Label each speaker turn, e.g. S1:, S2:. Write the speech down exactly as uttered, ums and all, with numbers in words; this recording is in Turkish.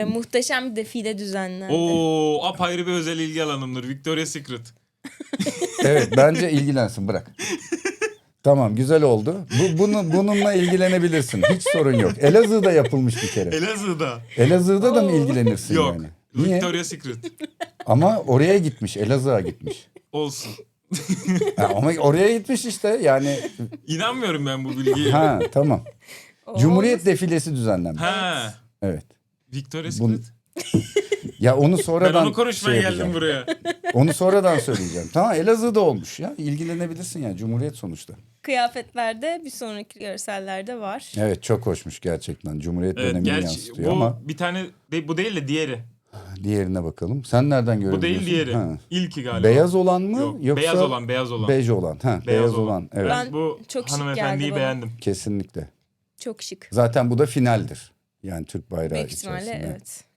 S1: E, muhteşem bir defile düzenlendi.
S2: Oo, apayrı bir özel ilgi alanımdır. Victoria's Secret.
S3: Evet, bence ilgilensin, bırak. Tamam, güzel oldu. Bu, bunu, bununla ilgilenebilirsin. Hiç sorun yok. Elazığ'da yapılmış bir kere.
S2: Elazığ'da.
S3: Elazığ'da da mı
S1: Oo.
S3: ilgilenirsin
S2: Yok.
S3: yani? Niye?
S2: Victoria's Secret.
S3: Ama oraya gitmiş, Elazığ'a gitmiş.
S2: Olsun.
S3: Ha, ama oraya gitmiş işte yani.
S2: İnanmıyorum ben bu bilgiye.
S3: Ha, tamam.
S1: O
S3: Cumhuriyet
S1: olmaz.
S3: defilesi düzenlenmiş.
S2: Ha.
S3: Evet.
S2: Victoria's
S3: Bunu-
S2: Secret.
S3: Ya onu
S2: Ben
S3: sonradan
S2: onu konuşmaya
S3: şey
S2: geldim
S3: yapacağım.
S2: buraya.
S3: Onu sonradan söyleyeceğim. Tamam, Elazığ'da olmuş ya. İlgilenebilirsin ya, Cumhuriyet sonuçta.
S1: Kıyafetlerde bir sonraki görsellerde var.
S3: Evet, çok hoşmuş gerçekten. Cumhuriyet
S2: Evet,
S3: dönemini
S2: gerçi
S3: yansıtıyor
S2: bu
S3: ama
S2: bir tane de, bu değil de diğeri.
S3: diğerine bakalım. Sen nereden görebiliyorsun?
S2: Bu değil diğeri.
S3: Ha.
S2: İlki galiba.
S3: Beyaz olan mı
S2: Yok,
S3: yoksa
S2: beyaz olan, beyaz olan.
S3: bej olan? Ha, beyaz,
S2: Beyaz
S3: olan.
S2: olan.
S3: Evet,
S2: Ben
S1: Ben-
S2: bu
S1: çok şık
S2: hanımefendiyi
S1: geldi bana.
S2: beğendim.
S3: kesinlikle.
S1: Çok şık.
S3: Zaten bu da finaldir. Yani Türk bayrağı
S1: Büyük ihtimalle
S3: içerisinde.
S1: evet.